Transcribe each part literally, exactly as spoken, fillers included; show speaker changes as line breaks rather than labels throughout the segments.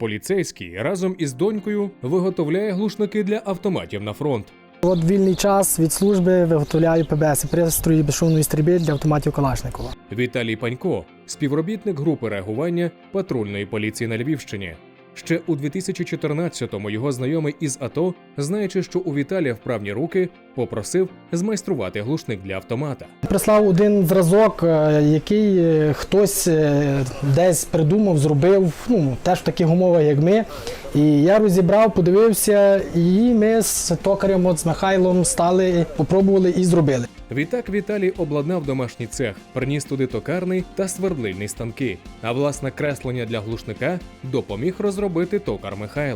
Поліцейський разом із донькою виготовляє глушники для автоматів на фронт.
От вільний час від служби виготовляю пе бе ес – пристрої безшумної стрільби для автоматів Калашникова.
Віталій Панько – співробітник групи реагування патрульної поліції на Львівщині. Ще у дві тисячі чотирнадцятому його знайомий із АТО, знаючи, що у Віталія вправні руки, попросив змайструвати глушник для автомата.
Прислав один зразок, який хтось десь придумав, зробив, ну, теж в таких умовах, як ми. І я розібрав, подивився, і ми з токарем, от, з Михайлом стали, попробували і зробили.
Відтак Віталій обладнав домашній цех, приніс туди токарний та свердлильний станки, а власне креслення для глушника допоміг розробити токар Михайло.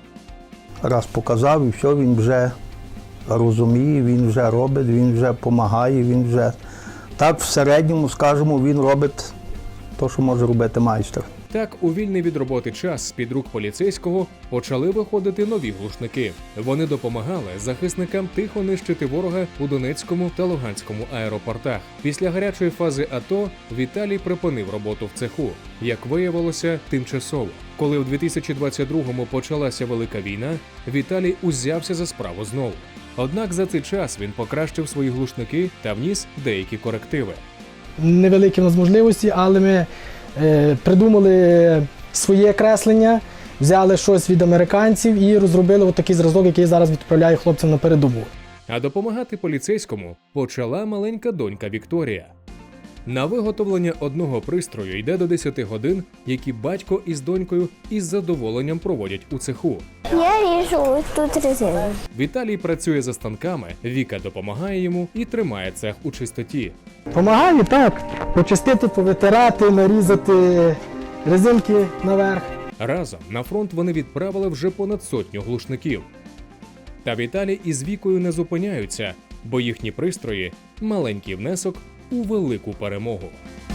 Раз показав, і все, він вже розуміє, він вже робить, він вже допомагає, він вже... Так, в середньому, скажімо, він робить те, що може робити майстер.
Так, у вільний від роботи час з-під рук поліцейського почали виходити нові глушники. Вони допомагали захисникам тихо нищити ворога у Донецькому та Луганському аеропортах. Після гарячої фази АТО Віталій припинив роботу в цеху, як виявилося, тимчасово. Коли в дві тисячі двадцять другому почалася Велика війна, Віталій узявся за справу знову. Однак за цей час він покращив свої глушники та вніс деякі корективи.
Невеликі в нас можливості, але ми е, придумали своє креслення, взяли щось від американців і розробили отакий зразок, який зараз відправляю хлопцям на передову.
А допомагати поліцейському почала маленька донька Вікторія. На виготовлення одного пристрою йде до десяти годин, які батько із донькою із задоволенням проводять у цеху.
Я ріжу тут резину.
Віталій працює за станками, Віка допомагає йому і тримає цех у чистоті.
Помагаю, так, почистити, повитирати, нарізати резинки наверх.
Разом на фронт вони відправили вже понад сотню глушників. Та Віталій із Вікою не зупиняються, бо їхні пристрої – маленький внесок у велику перемогу.